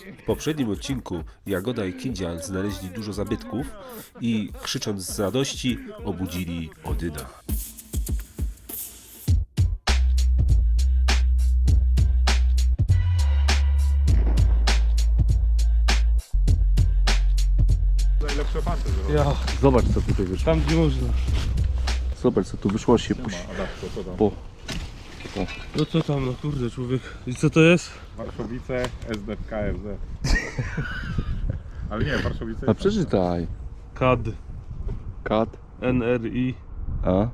W poprzednim odcinku Jagoda i Kindzian znaleźli dużo zabytków i krzycząc z radości obudzili Odyna. Najlepsze fanty zrobią. Ja, Zobacz co tutaj wyszło. tam gdzie można. Zobacz co tu wyszło się po... No co tam, no kurde człowiek. I co to jest? Warszowice, SDKFZ. Ale nie, Warszowice. A przeczytaj. KAD, Kat. NRI, A?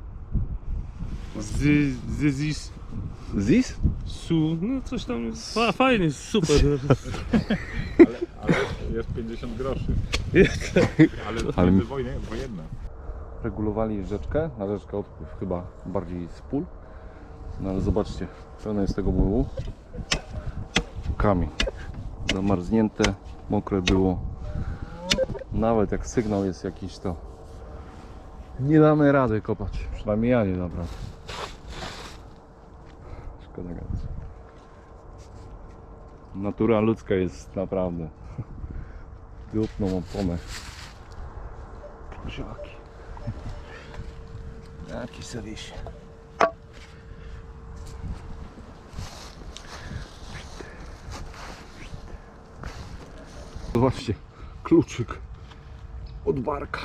ZIS, Zis? SU, no coś tam jest. Fajnie, super. Ale jest 50 groszy. Ale Ale- między wojenne. Regulowali rzeczkę, na rzeczkę odpływ chyba bardziej z pól. No ale zobaczcie, pełno jest tego mułu. Kamień. Zamarznięte, mokre było. Nawet jak sygnał jest jakiś, to nie damy rady kopać. Przynajmniej ja nie dam rady. Szkoda gadać. Natura ludzka jest naprawdę dupną oponę. Poziaki. Jaki serwisie. Zobaczcie, kluczyk od barka.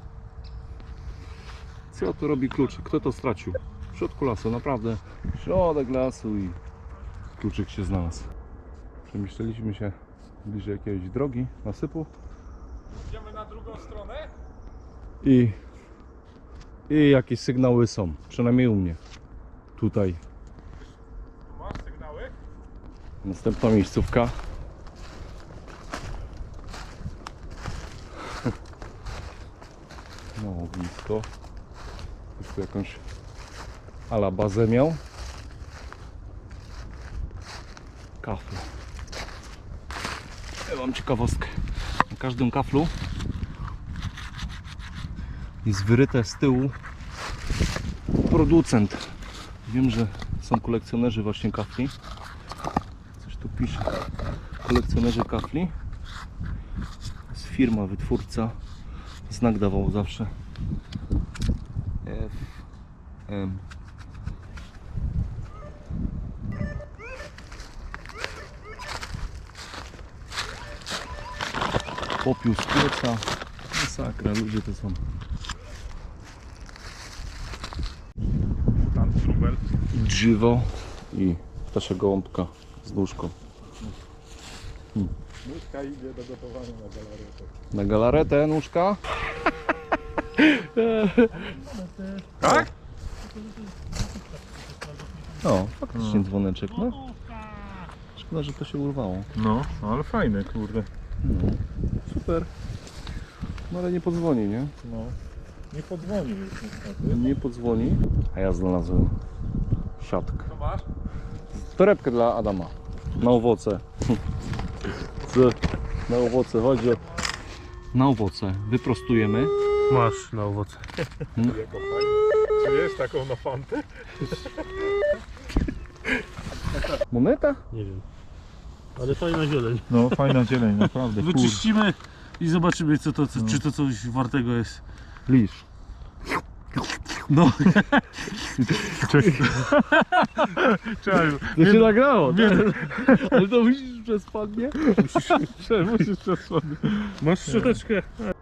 Co to robi kluczyk? Kto to stracił? W środku lasu, naprawdę. Środek lasu i kluczyk się znalazł. Przemieszczaliśmy się bliżej jakiejś drogi, nasypu Idziemy na drugą stronę? i jakieś sygnały są, przynajmniej u mnie. Tutaj Tu masz sygnały? następna miejscówka. No blisko. Jest tu jakąś ala bazę miał. Kafle. Ja mam ciekawostkę. Na każdym kaflu jest wyryte z tyłu producent. Wiem, że są kolekcjonerzy właśnie kafli. Coś tu pisze. Kolekcjonerzy kafli. To jest firma, wytwórca. Znak dawał zawsze. FM. Popiół z pieca. Masakra, ludzie to są. Tam trubel. Drzewo i ptasia gołąbka z nóżką. Nóżka idzie do gotowania na galaretę. Na galaretę nóżka. Tak? No, faktycznie dzwoneczek, no. Szkoda, że to się urwało. No, ale fajne, kurde. No, super. No ale nie podzwoni, nie? No. Nie podzwonił już niestety. Nie podzwoni. A ja znalazłem siatkę. Co masz? Torebkę dla Adama. Na owoce. Co? Na owoce, chodzi o... Na owoce. Wyprostujemy. Masz na owoce. Jako fajne. Czy jest taką na fantę? Moneta? Nie wiem. Ale fajna zieleń. No, fajna zieleń, naprawdę. Wyczyścimy i zobaczymy co to, czy to coś wartego jest. Lisz. No. Czemu? To się nagrało, tak? Ale to musisz przez spodnie? Musisz przesłonić. Masz szczoteczkę.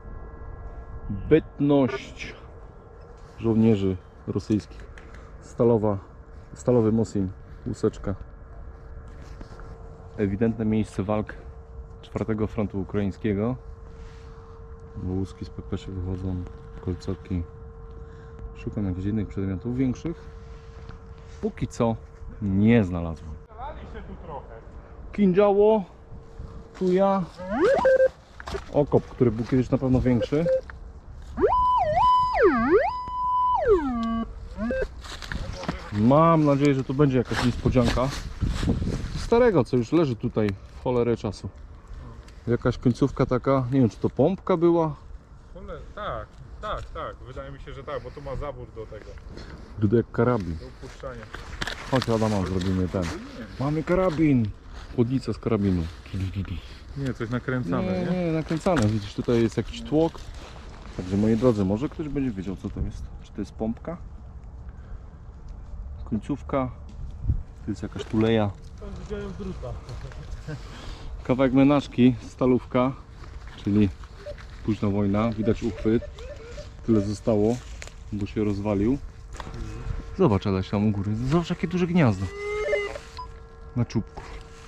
Bytność żołnierzy rosyjskich. Stalowy Mosin, łuseczka. Ewidentne miejsce walk 4 frontu ukraińskiego. Bo łuski z PPS wychodzą, kolcoki. Szukam jakichś innych przedmiotów większych. Póki co nie znalazłem. Zalali się tu trochę. Kindziało, tuja, okop, który był kiedyś na pewno większy. Mam nadzieję, że to będzie jakaś niespodzianka starego, co już leży tutaj w cholerę czasu. Jakaś końcówka taka, nie wiem czy to pompka była. Tak. Wydaje mi się, że tak, bo tu ma zabór do tego. Wygląda jak karabin. Do upuszczania. Chodź Adama, zrobimy ten. Mamy karabin. chłodnica z karabinu. Nie, coś nakręcane, nie? Nie, nakręcane. Widzisz, tutaj jest jakiś tłok. Także moi drodzy, może ktoś będzie wiedział, co to jest. Czy to jest pompka? Końcówka? To jest jakaś tuleja. Tam widziałem druta. Kawałek menażki, stalówka, czyli późna wojna. Widać uchwyt. Tyle zostało, bo się rozwalił. Zobacz, Aleś, tam u góry. Zobacz, jakie duże gniazdo. Na czubku.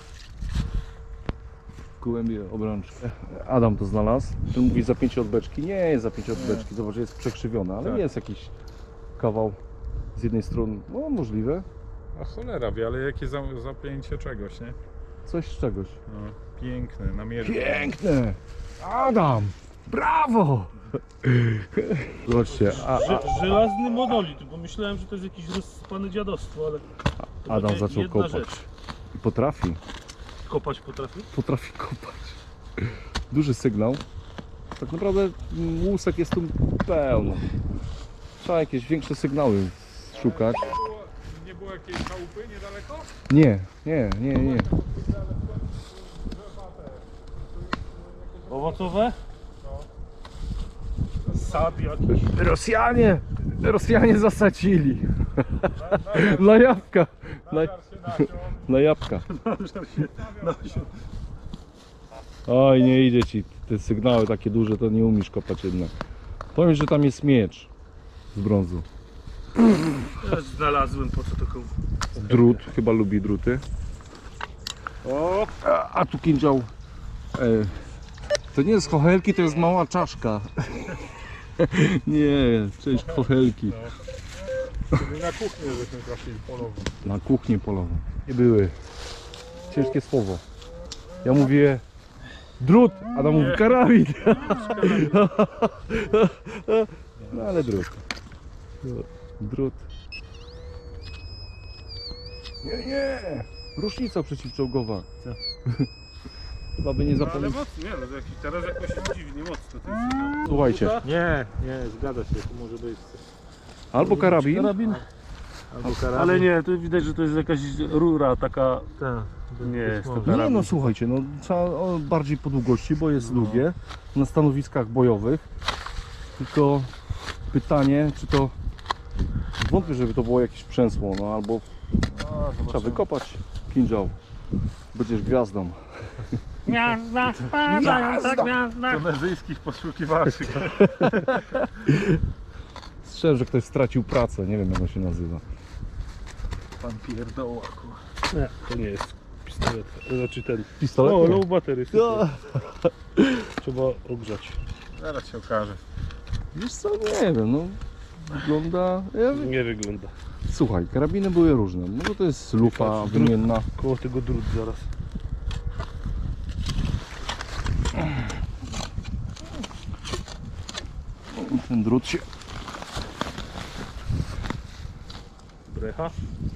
Gołębie obrączki. Adam to znalazł. Ten mówi zapięcie od beczki. Nie jest zapięcie od beczki. Zobacz, jest przekrzywione, ale Tak. jest jakiś kawał z jednej strony. No możliwe. A cholera wie, ale jakie zapięcie czegoś, nie? Coś z czegoś. No, piękne, namierzone. Piękne! Adam! Brawo! Zobaczcie, Żelazny monolit, bo myślałem, że to jest jakieś rozsypane dziadostwo, ale... to Adam będzie zaczął jedna kopać. rzecz. I potrafi. Kopać potrafi? Potrafi kopać. Duży sygnał. Tak naprawdę łusek jest tu pełno. Trzeba jakieś większe sygnały szukać. Nie było jakiejś chałupy niedaleko? Nie. Owocowe? Sad jakiś. Rosjanie zasadzili. Na jabłka. Na jabłka. Oj, nie idzie ci. Te sygnały takie duże, to nie umiesz kopać jednak. Powiem, że tam jest miecz z brązu. Ja znalazłem, po co to komu. Drut, chyba lubi druty. O! A tu kindział. To nie jest chochelki, to jest mała czaszka. Nie, cześć chochelki. Czyli na kuchnię żeśmy trafili polową. Na kuchnię polową. Nie były. Ciężkie słowo. Ja mówię drut, a tam mówi karabin. No ale drut. Drut. Nie. Rusznica przeciwczołgowa. Co? Chyba by nie Ale zapomniał. mocno, nie no, jakiś teraz jakoś dziwnie mocno to jest. Słuchajcie, Nie, zgadza się, to może być. albo karabin, Karabin? Albo karabin. Ale nie, tu widać, że to jest jakaś rura taka... Nie jest to Nie karabin. no słuchajcie, no trzeba bardziej po długości, bo jest długie na stanowiskach bojowych. Tylko pytanie, czy to wątpię, żeby to było jakieś przęsło, no albo trzeba wykopać kindział. Będziesz gwiazdą. Gwiazda, spadająca gwiazda. Tunezyjskich poszukiwaczy. Strzelam, że ktoś stracił pracę, nie wiem jak on się nazywa. Pan pierdoła, Nie, to nie jest pistolet. Znaczy ten. Pistolet? O, Nie. low battery. No. Trzeba ogrzać. Zaraz się okaże. Wiesz co, nie wiem, no wygląda... Nie wygląda. Słuchaj, karabiny były różne, może to jest lufa wymienna. Koło tego drut zaraz. Ten drut się... Brecha.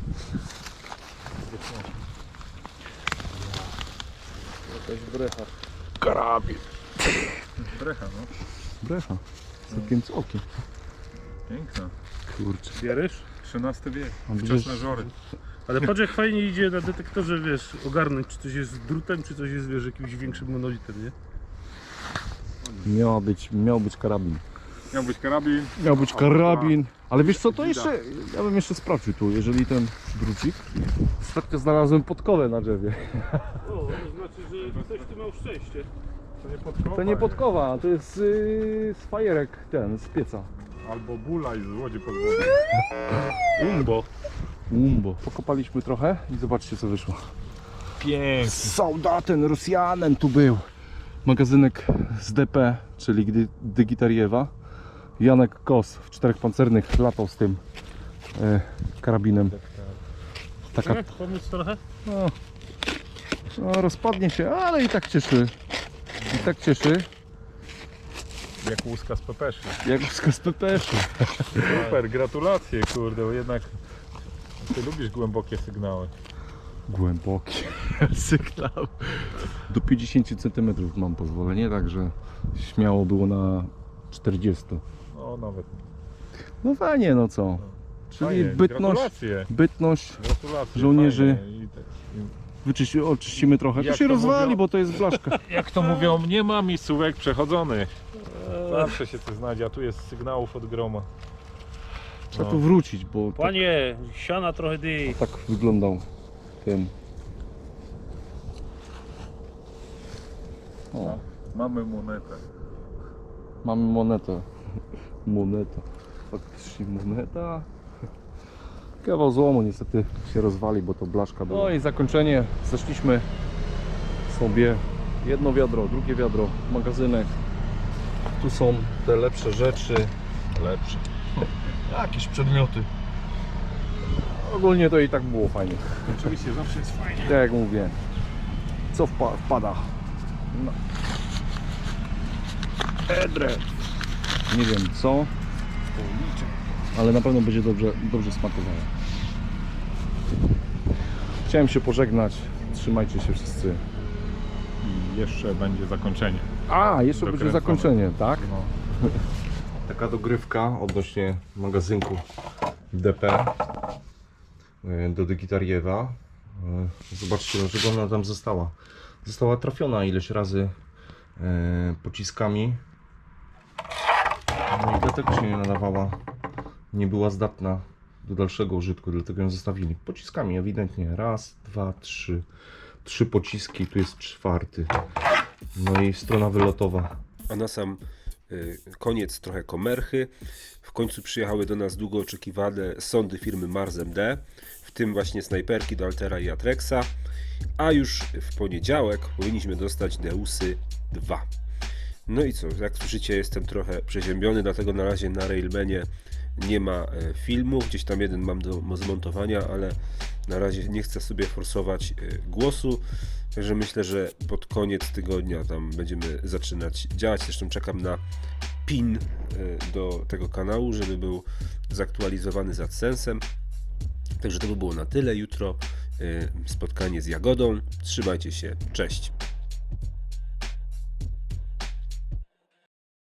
Jakaś brecha. Karabin. Brecha, no. Brecha. Całkiem całkiem. Piękna. Kurczę. Bierzesz? XIII wiek. A Wczesne wiesz- żory. Ale patrz jak fajnie idzie na detektorze, wiesz, ogarnąć czy coś jest drutem, czy coś jest, wiesz, jakimś większym monolitem, nie? Miał być karabin. Miał być karabin. Miał być karabin. Ale wiesz co, to jeszcze... Ja bym jeszcze sprawdził tu, jeżeli ten drucik... Ostatnio znalazłem podkowę na drzewie. O, to znaczy, że ktoś tu miał szczęście. To nie podkowa. To nie podkowa, to jest z fajerek ten, z pieca. Albo bulaj z łodzi pod wodą. Umbo. Umbo. Pokopaliśmy trochę i zobaczcie co wyszło. Pięknie. Soldaten, Rosjanem tu był. Magazynek z DP, czyli Dygitariewa. Janek Kos w 4 pancernych latał z tym karabinem. Taka, Tak, pomóc trochę? no, rozpadnie się, ale i tak cieszy. I tak cieszy, Jak łuska z pepeszy. jak z PPS-u. Super, gratulacje kurde, bo jednak ty lubisz głębokie sygnały. Głęboki sygnał. Do 50 cm mam pozwolenie, także śmiało było na 40. No nawet. No fajnie, no co. Czyli Fajnie, bytność, Gratulacje. bytność Gratulacje. żołnierzy. Fajnie. oczyścimy trochę. To Jak się to rozwali, mówią? bo to jest blaszka. Jak to mówią, nie ma miejscówek przechodzonych. Zawsze się to znajdzie, a tu jest sygnałów od groma. Trzeba tu wrócić, bo tak, Panie, siana trochę dy. tak wyglądał ten. O, Mamy monetę. mamy monetę. Moneta. Faktycznie moneta. Kawał złomu niestety się rozwali, bo to blaszka była. No i zakończenie. Zeszliśmy sobie jedno wiadro, drugie wiadro, magazynek. Tu są te lepsze rzeczy. Lepsze. Jakieś przedmioty. Ogólnie to i tak było fajnie. Oczywiście, zawsze jest fajnie. Tak jak mówię. Co wpada? No. Edre. Nie wiem co, ale na pewno będzie dobrze smakowało. Chciałem się pożegnać. Trzymajcie się wszyscy. I jeszcze będzie zakończenie. A, jeszcze będzie Dokręcone. zakończenie, tak? No. Taka dogrywka odnośnie magazynku DP do Dygitariewa. Zobaczcie, dlaczego ona tam została. Została trafiona ileś razy pociskami. No i dlatego się nie nadawała. Nie była zdatna do dalszego użytku, dlatego ją zostawili. Pociskami ewidentnie. Raz, dwa, trzy. 3 pociski, tu jest 4. No i strona wylotowa. A na sam koniec trochę komerchy. W końcu przyjechały do nas długo oczekiwane sondy firmy Mars MD, w tym właśnie snajperki do Altera i Atrexa, a już w poniedziałek powinniśmy dostać Deusy 2. No i co, jak słyszycie, jestem trochę przeziębiony, dlatego na razie na Railmanie nie ma filmu, gdzieś tam jeden mam do zmontowania, ale na razie nie chcę sobie forsować głosu, także myślę, że pod koniec tygodnia tam będziemy zaczynać działać. Zresztą czekam na pin do tego kanału, żeby był zaktualizowany z AdSense'em. Także to by było na tyle. Jutro spotkanie z Jagodą. Trzymajcie się, cześć.